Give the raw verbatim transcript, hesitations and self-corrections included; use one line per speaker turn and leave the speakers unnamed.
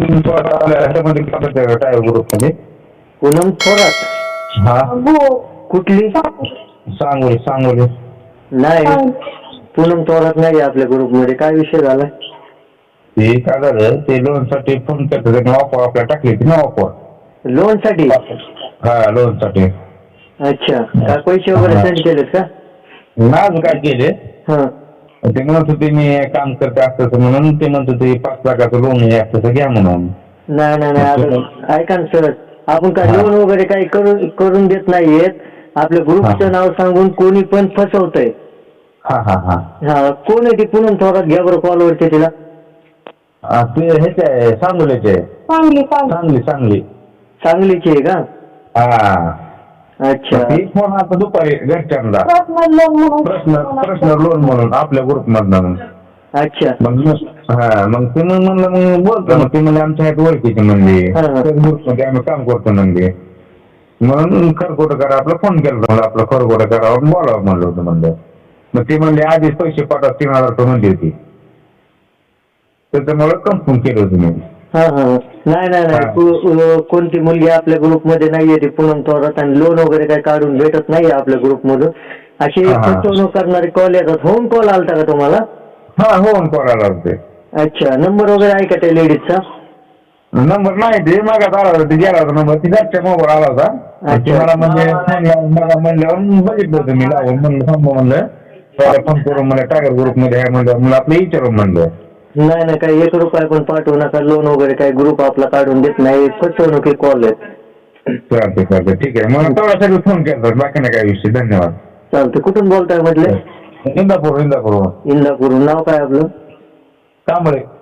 तीन थोरात आपल्या ह्याच्यामध्ये टाकायचं टायर ग्रुप मध्ये.
पूनम थोरात
हा
कुठली?
सांगोली सांगोली.
नाही, पूनम थोरात नाही आपल्या ग्रुप मध्ये. काय विषय झाला?
ते काय झालं, ते लोन साठी फोन करतो त्यांनी ऑफर आपल्याला टाकली होती ना ऑफर.
लोन साठी?
हा लोन साठी.
अच्छा, काय पैसे वगैरे सेंड केलेत का?
नाच काय केले
हा.
ते म्हणत होते मी काम करते असतं म्हणून, ते म्हणत होते पाच लाखाचं लोन आहे असतं घ्या म्हणून.
नाही नाही नाही, आता ऐका ना सर, आपण काय
हा.
लोन वगैरे काही करून करून देत नाहीयेत. आपल्या ग्रुपचं नाव सांगून कोणी पण फसवतंय.
हा हा हा
हा, कोण आहे ती पूनम थोरात? घ्या बरं कॉलवरती तिला.
हा, ते ह्याचे आहे सांगोलीचे.
चांगली
चांगली चांगली.
सांगलीची आहे का?
हा.
अच्छा.
ती फोन आता दुपारी घरच्यांना
पर्सनल लोन म्हणून
प्रश्न प्रश्न लोन म्हणून आपल्या ग्रुप मधनं.
अच्छा.
मग हा मग ते मग म्हणलं मग बोलतो मग ते म्हणजे आमच्या ह्यात ओळखीचे म्हणले ग्रुप मध्ये आम्ही काम करतो म्हणले. म्हणून खरकोट करा आपला फोन केला म्हणलं, आपलं खरकोट करावं बोलावं म्हणलं होतं म्हणलं. मग ते म्हणले आधीच पैसे पाठवा तीन हजार रुपये म्हणली होती, त्याच्यामुळे कन्फर्म केलं होतं मी.
हा हा, नाही नाही नाही, को- कोणती मुलगी आपल्या ग्रुप मध्ये नाहीये ती पूनम थोरात, आणि लोन वगैरे काही काढून भेटत नाहीये आपल्या ग्रुप मधून. अशी
हा, हा.
फसवणूक करणारे कॉल येतात. होम कॉल आलता का तुम्हाला?
हा होऊन करायला होते.
अच्छा, नंबर वगैरे आहे का त्या लेडीजचा?
नंबर नाही, ते मागात आला होता, ते गेला होता नंबर, ती घरच्या मोबाईल आला होता. ते मला म्हणजे फोन लावून मला म्हणल्यावर बघितलं होतं मी लावून, म्हणलं थांबा म्हणलं त्याला फोन करून मला टायगर ग्रुप मध्ये आहे म्हणलं, मला आपलं विचारून म्हणलं.
नाही नाही, काही एक रुपया पण पाठवू नका. लोन वगैरे काही ग्रुप आपला काढून देत नाही. फसवणुकी कॉल आहेत.
चालते चालते ठीक आहे. मला तेवढ्यासाठी फोन केला, बाकी नाही काय विषय. धन्यवाद.
चालते. कुठून बोलताय म्हटले?
इंदापूर इंदापूर
इंदापूर. नाव काय आपलं?
कांबळे.